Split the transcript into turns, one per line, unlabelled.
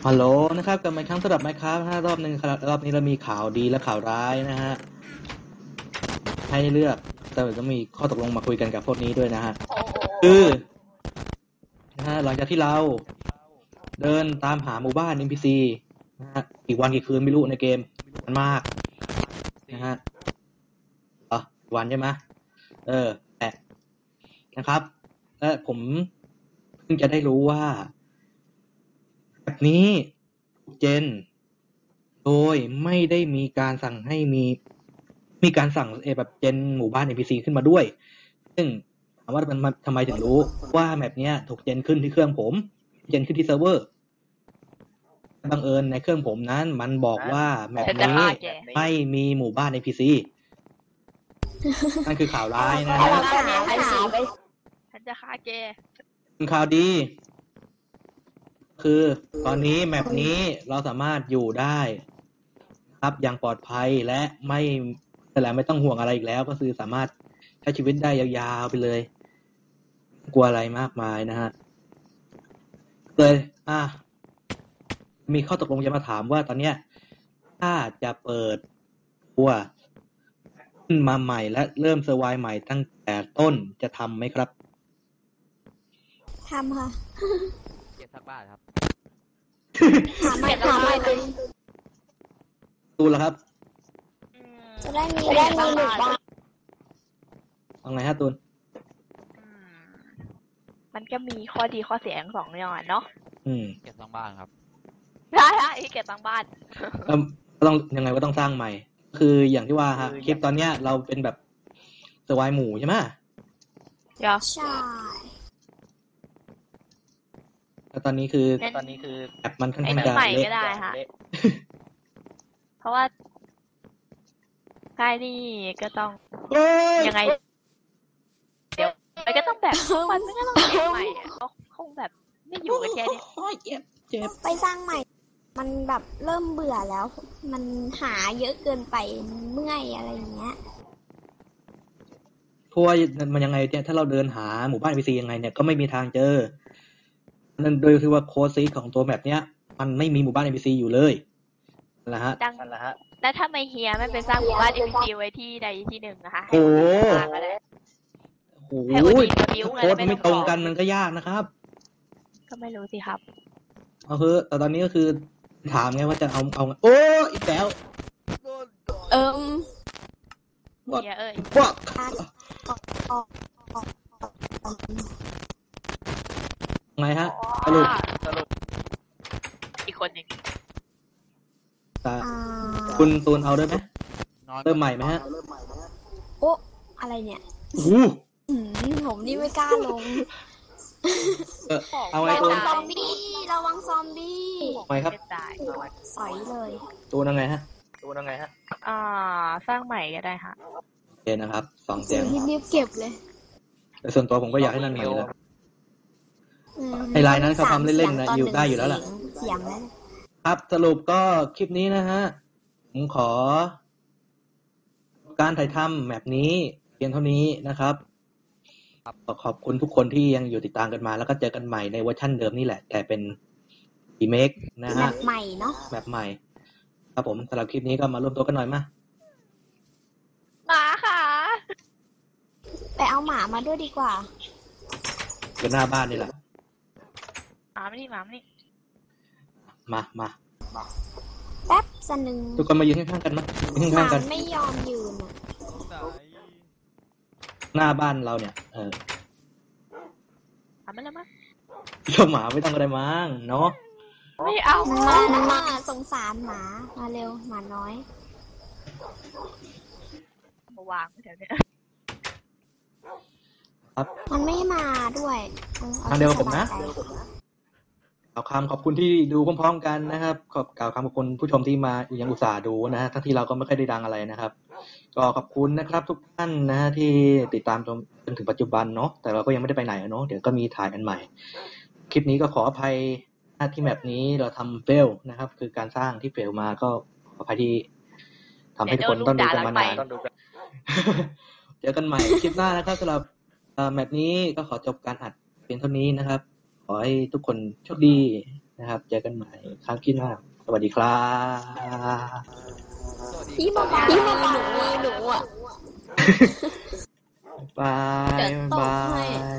ฮัลโหลนะครับกลับมาอีกครั้งสำหรับ Minecraft รอบนึงครับรอบนี้เรามีข่าวดีและข่าวร้ายนะฮะให้เลือกแต่ก็มีข้อตกลงมาคุยกันกับพวกนี้ด้วยนะฮะคือนะฮะหลังจากที่เราเดินตามหาหมู่บ้าน NPC นะฮะอีกวันกี่คืนไม่รู้ในเกมมันมากนะฮะวันใช่ไหมแต่นะครับและผมเพิ่งจะได้รู้ว่าแบบนี้เจนโดยไม่ได้มีการสั่งให้มีการสั่งแบบเจนหมู่บ้าน NPC ขึ้นมาด้วยซึ่งถามว่ามันทำไมถึงรู้ว่าแมปเนี้ยถูกเจนขึ้นที่เครื่องผมเจนขึ้นที่เซิร์ฟเวอร์บังเอิญในเครื่องผมนั้นมันบอกว่าแมปนี้ไม่มีหมู่บ้าน NPC นั่นคือข่าวร้ายนะฮะ
ฉันจะฆ่าแก
ข่าวดีคือตอนนี้แมปนี้เราสามารถอยู่ได้ครับอย่างปลอดภัยและไม่ต้องห่วงอะไรอีกแล้วก็คือสามารถใช้ชีวิตได้ยาวๆไปเลยไม่กลัวอะไรมากมายนะฮะเลยมีข้อตกลงจะมาถามว่าตอนเนี้ยถ้าจะเปิดตัวขึ้นมาใหม่และเริ่มเซอร์ไวใหม่ตั้งแต่ต้นจะทำไหมครับ
ทำค่ะ
เก็บสักบาทครับ
ถามไม่
ดูแล้วครับ
จะได้มีหมู่บ้าน
เอาไงฮะตูน
มันก็มีข้อดีข้อเสียทั้งสองอย่างเนาะ
เก็บสร้างบ้านครับ
ได้เก็บสร้างบ้าน
ต้องยังไงก็ต้องสร้างใหม่คืออย่างที่ว่าฮะคลิปตอนเนี้ยเราเป็นแบบเซอร์ไวหมู่ใช่ไหม
ใช่
แล้วตอนนี้คือแบบมันค่อนข้างจะ
ใหม่ก็ได้ค่ะเพราะว่าใกล้นี่ก็ต้องยังไงเดี๋ยวมันก็ต้องแบบมันก็ต้องเก็บใหม่เขาคงแบบไม่อยู่กันแค่นี้
เจ็บ
ไปสร้างใหม่มันแบบเริ่มเบื่อแล้วมันหาเยอะเกินไปเมื่อยอะไรอย่างเงี้ย
เพราะว่ามันยังไงเนี่ยถ้าเราเดินหาหมู่บ้าน NPC ยังไงเนี่ยก็ไม่มีทางเจอนั่นโดยที่ว่าโค้ดซีของตัวแมปเนี้ยมันไม่มีหมู่บ้าน NPC อยู่เลยนั่นแหละฮะ
แล้วถ้าไม่เฮียไม่ไปสร้างหมู่บ้าน NPC ไว้ที่ใดที่หนึ่งนะคะ
โอ้โหโค้ดมันไม่ตรงกันมันก็ยากนะครับ
ก็ไม่รู้สิครับ
แต่ตอนนี้ก็คือถามไงว่าจะเอาโอ้อีกแล้ว
เฮีย
ว่าไงฮะสรุป
อีกคนหนึ่ง
คุณตูนเอาด้วยไหมเริ่มใหม่ไหมฮะ
โอ้อะไรเนี่ยผมนี่ไม่กล้าลง
เอาไงตูน
ซอมบี้ระวังซอมบี้
ไงครับ
สอยเลย
ตูนยังไงฮะ
สร้างใหม่ก็ได้ค่ะ
โอเคนะครับ2เสียง
รีบเก็บเลย
แต่ส่วนตัวผมก็อยากให้นั่นใหม่แล้วไอ้ลายนั้นเขาทำเล่นๆนะอยู่ได้อยู่แล้วล่ะ
เสียงนั้น
ครับสรุปก็คลิปนี้นะฮะผมขอการถ่ายทำแบบนี้เพียงเท่านี้นะครับขอบคุณทุกคนที่ยังอยู่ติดตามกันมาแล้วก็เจอกันใหม่ในเวอร์ชันเดิมนี่แหละแต่เป็นรีเมคนะฮะ
แบบใหม่เนาะ
แบบใหม่ครับผมสำหรับคลิปนี้ก็มาร่วมตัวกันหน่อยมา
ค่ะ
ไปเอาหมามาด้วยดีกว่า
อยู่หน้าบ้านนี่แหละ
หมาไม่นี่
มา
แป๊บสนึง
ทุกคนมายืนข้างๆกันมายืนข้างๆกัน
ไม่ยอมยืน
หน้าบ้านเราเนี่ย
ไม่แล้วมั้ง
เจ้าหมาไม่ต้องอะไรมั้งเนาะ
ไม่เอา
มาสงสารหมามาเร็วหมาน้อย
มาวางแถวนี้
ครับ
มันไม่มาด้วย
ทางเดียวกับผมนะขอบคุณที่ดูพร้อมๆกันนะครับกล่าวคำขอบคุณผู้ชมที่มายังอุตส่าห์ดูนะฮะทั้งที่เราก็ไม่ค่อยได้ดังอะไรนะครับก็ขอบคุณนะครับทุกท่านนะฮะที่ติดตามจนถึงปัจจุบันเนาะแต่เราก็ยังไม่ได้ไปไหนเนาะเดี๋ยวก็มีถ่ายกันใหม่คลิปนี้ก็ขออภัยที่แมปนี้เราทำเฟลนะครับคือการสร้างที่เฟลมาก็ขออภัยที่ทำให้ทุกคนต้องดูกันมานานเจอกันใหม่คลิปหน้านะครับสำหรับแมปนี้ก็ขอจบการอัดเพียงเท่านี้นะครับขอให้ทุกคนโชคดีนะครับ เจอกันใหม่ครั้งที่หน้าสวัสดีครับ
พี่มาบอกหนูอ่ะ
บาย
เดี๋ยวต
บา
บให้
ย